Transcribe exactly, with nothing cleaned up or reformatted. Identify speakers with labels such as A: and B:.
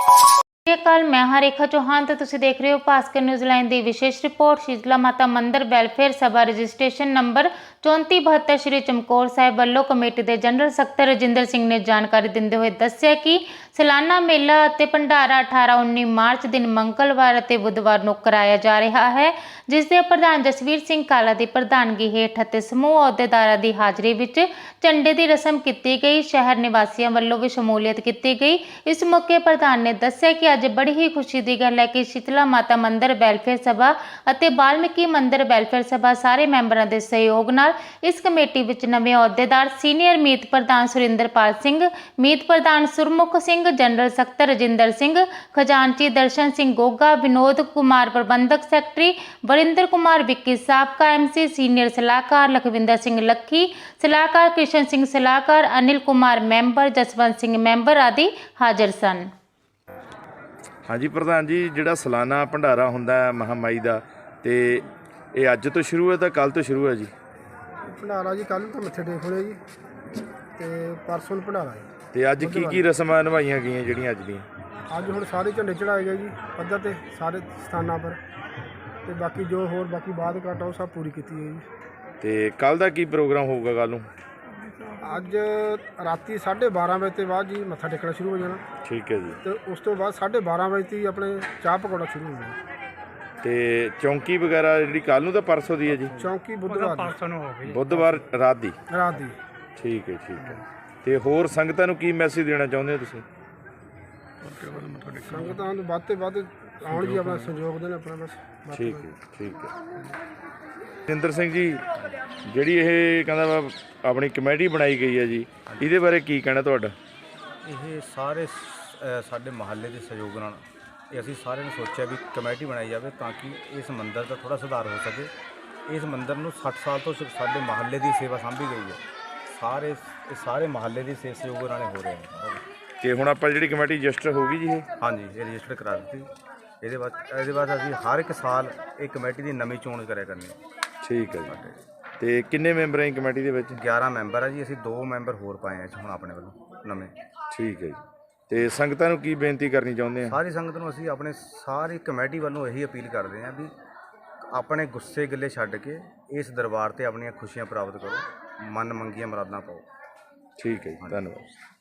A: ਕੱਲ ਮੈਂ ਹਾਂ ਰੇਖਾ ਚੌਹਾਨ ਤੇ ਤੁਸੀਂ ਦੇਖ ਰਹੇ ਹੋ ਭਾਸਕਰ ਨਿਊਜ਼ੀਲੈਂਡ ਦੀ ਵਿਸ਼ੇਸ਼ ਰਿਪੋਰਟ। ਸ਼ੀਤਲਾ ਮਾਤਾ ਮੰਦਿਰ ਵੈਲਫੇਅਰ ਸਭਾ ਰਜਿਸਟ੍ਰੇਸ਼ਨ ਨੰਬਰ ਚੌਂਤੀ ਬਹੱਤਰ ਸ਼੍ਰੀ ਚਮਕੌਰ ਸਾਹਿਬ ਵੱਲੋਂ ਕਮੇਟੀ ਦੇ ਜਨਰਲ ਸਕੱਤਰ ਰਜਿੰਦਰ ਸਿੰਘ ਨੇ ਜਾਣਕਾਰੀ ਦਿੰਦੇ ਹੋਏ ਦੱਸਿਆ ਕਿ ਸਾਲਾਨਾ ਮੇਲਾ ਅਤੇ ਭੰਡਾਰਾ ਅਠਾਰਾਂ ਉੱਨੀ ਮਾਰਚ ਦਿਨ ਮੰਗਲਵਾਰ ਅਤੇ ਬੁੱਧਵਾਰ ਨੂੰ ਕਰਾਇਆ ਜਾ ਰਿਹਾ ਹੈ, ਜਿਸ ਦੇ ਪ੍ਰਧਾਨ ਜਸਵੀਰ ਸਿੰਘ ਕਾਲਾ ਦੀ ਪ੍ਰਧਾਨਗੀ ਹੇਠ ਅਤੇ ਸਮੂਹ ਅਹੁਦੇਦਾਰਾਂ ਦੀ ਹਾਜ਼ਰੀ ਵਿੱਚ ਝੰਡੇ ਦੀ ਰਸਮ ਕੀਤੀ ਗਈ। ਸ਼ਹਿਰ ਨਿਵਾਸੀਆਂ ਵੱਲੋਂ ਵੀ ਸ਼ਮੂਲੀਅਤ ਕੀਤੀ ਗਈ। ਇਸ ਮੌਕੇ ਪ੍ਰਧਾਨ ਨੇ ਦੱਸਿਆ ਕਿ ਅੱਜ ਬੜੀ ਹੀ ਖੁਸ਼ੀ ਦੀ ਗੱਲ ਹੈ ਕਿ ਸ਼ੀਤਲਾ ਮਾਤਾ ਮੰਦਿਰ ਵੈਲਫੇਅਰ ਸਭਾ ਅਤੇ ਬਾਲਮੀਕੀ ਮੰਦਿਰ ਵੈਲਫੇਅਰ ਸਭਾ ਸਾਰੇ ਮੈਂਬਰਾਂ ਦੇ ਸਹਿਯੋਗ ਨਾਲ ਇਸ ਕਮੇਟੀ ਵਿੱਚ ਨਵੇਂ ਅਹੁਦੇਦਾਰ ਸੀਨੀਅਰ ਮੀਤ ਪ੍ਰਧਾਨ ਸੁਰਿੰਦਰਪਾਲ ਸਿੰਘ, ਮੀਤ ਪ੍ਰਧਾਨ ਸੁਰਮੁਖ ਸਿੰਘ, ਜਨਰਲ ਸਕੱਤਰ ਰਜਿੰਦਰ ਸਿੰਘ, ਖਜ਼ਾਨਚੀ ਦਰਸ਼ਨ ਸਿੰਘ ਗੋਗਾ, ਵਿਨੋਦ ਕੁਮਾਰ ਪ੍ਰਬੰਧਕ ਸੈਕਟਰੀ, ਵਰਿੰਦਰ ਕੁਮਾਰ ਵਿੱਕੀ, ਸਾਬਕਾ ਐਮਸੀ, ਸੀਨੀਅਰ ਸਲਾਹਕਾਰ ਲਖਵਿੰਦਰ ਸਿੰਘ ਲੱਖੀ, ਸਲਾਹਕਾਰ ਕ੍ਰਿਸ਼ਨ ਸਿੰਘ, ਸਲਾਹਕਾਰ ਅਨਿਲ ਕੁਮਾਰ ਮੈਂਬਰ, ਜਸਵੰਤ ਸਿੰਘ ਮੈਂਬਰ ਆਦਿ ਹਾਜ਼ਰ ਸਨ।
B: हाँ जी प्रधान जी, जिहड़ा सालाना भंडारा हुंदा है महामाई दा, ते ये अज तो शुरू है तो कल तो शुरू है जी?
C: भंडारा जी कल तो मत्थे टेक होने जी, ते परसों भंडारा जी।
B: ते अज की की रस्मां निभाईयां गईयां जिहड़ियां अज दियां?
C: अज हुण सारे झंडे चढ़ाए गए जी पद्धर ते सारे स्थानां पर, ते बाकी जो होर बाकी बात घाट वो सब पूरी की गई जी।
B: ते कल दा की प्रोग्राम होगा? कल नूं
C: अज राती साढ़े बारह बजे के बाद जी मत्था टेकना शुरू हो जाना।
B: ठीक है जी।
C: तो उस तो बाद साढ़े बारह बजे तक अपने चाह पकौड़ा शुरू हो जाना।
B: ते चौंकी वगैरह जिहड़ी कल नूं तां परसों दी है जी?
C: चौंकी बुधवार परसों हो गई,
B: बुधवार रात दी
C: रात दी।
B: ठीक है ठीक है। ते होर संगतां नूं की मैसेज देना चाहुंदे हो तुसीं?
C: संगतां नूं वध ते वध आउण जी, अपना सहयोग देण अपना बस।
B: ठीक है ठीक है। जिंदर सिंह जी, ਜਿਹੜੀ ਇਹ ਕਹਿੰਦਾ ਵਾ ਆਪਣੀ ਕਮੇਟੀ ਬਣਾਈ ਗਈ ਹੈ ਜੀ, ਇਹਦੇ ਬਾਰੇ ਕੀ ਕਹਿਣਾ ਤੁਹਾਡਾ?
D: ਇਹ ਸਾਰੇ ਸ- ਸਾਡੇ ਮਹੱਲੇ ਦੇ ਸਹਿਯੋਗ ਨਾਲ ਇਹ ਅਸੀਂ ਸਾਰਿਆਂ ਨੇ ਸੋਚਿਆ ਵੀ ਕਮੇਟੀ ਬਣਾਈ ਜਾਵੇ ਤਾਂ ਕਿ ਇਸ ਮੰਦਿਰ ਦਾ ਥੋੜ੍ਹਾ ਸੁਧਾਰ ਹੋ ਸਕੇ। ਇਸ ਮੰਦਿਰ ਨੂੰ ਸੱਠ ਸਾਲ ਤੋਂ ਸ- ਸਾਡੇ ਮਹੱਲੇ ਦੀ ਸੇਵਾ ਸਾਂਭੀ ਗਈ ਹੈ। ਸਾਰੇ ਇਹ ਸਾਰੇ ਮਹੱਲੇ ਦੀ ਸੇ ਸਹਿਯੋਗ ਨਾਲ ਹੋ ਰਹੇ ਨੇ।
B: ਤੇ ਹੁਣ ਆਪਾਂ ਜਿਹੜੀ ਕਮੇਟੀ ਰਜਿਸਟਰ ਹੋ ਗਈ ਜੀ ਇਹ?
D: ਹਾਂਜੀ, ਇਹ ਰਜਿਸਟਰ ਕਰਾ ਦਿੱਤੀ। ਇਹਦੇ ਬਾਅਦ ਇਹਦੇ ਬਾਅਦ ਅਸੀਂ ਹਰ ਇੱਕ ਸਾਲ ਇਹ ਕਮੇਟੀ ਦੀ ਨਵੀਂ ਚੋਣ ਕਰਿਆ ਕਰਨੀ ਹੈ।
B: ਠੀਕ ਹੈ ਜੀ। ਤੇ ਕਿੰਨੇ ਮੈਂਬਰ ਹੈ ਕਮੇਟੀ ਦੇ ਵਿੱਚ?
D: ਗਿਆਰਾਂ ਮੈਂਬਰ ਆ ਜੀ, ਅਸੀਂ ਦੋ ਮੈਂਬਰ ਹੋਰ ਪਾਏ ਆ ਹੁਣ ਆਪਣੇ ਵੱਲੋਂ ਨਵੇਂ।
B: ਠੀਕ ਹੈ ਜੀ। ਤੇ ਸੰਗਤਾਂ ਨੂੰ ਕੀ ਬੇਨਤੀ ਕਰਨੀ ਚਾਹੁੰਦੇ ਆ?
D: ਸਾਰੀ ਸੰਗਤ ਨੂੰ ਅਸੀਂ ਆਪਣੇ ਸਾਰੀ ਕਮੇਟੀ ਵੱਲੋਂ ਇਹੀ ਅਪੀਲ ਕਰਦੇ ਹਾਂ ਵੀ ਆਪਣੇ ਗੁੱਸੇ ਗਿੱਲੇ ਛੱਡ ਕੇ ਇਸ ਦਰਬਾਰ ਤੇ ਆਪਣੀਆਂ ਖੁਸ਼ੀਆਂ ਪ੍ਰਾਪਤ ਕਰੋ, ਮਨ ਮੰਗੀਆਂ ਮੁਰਾਦਾਂ ਪਾਓ।
B: ਠੀਕ ਹੈ ਜੀ, ਧੰਨਵਾਦ।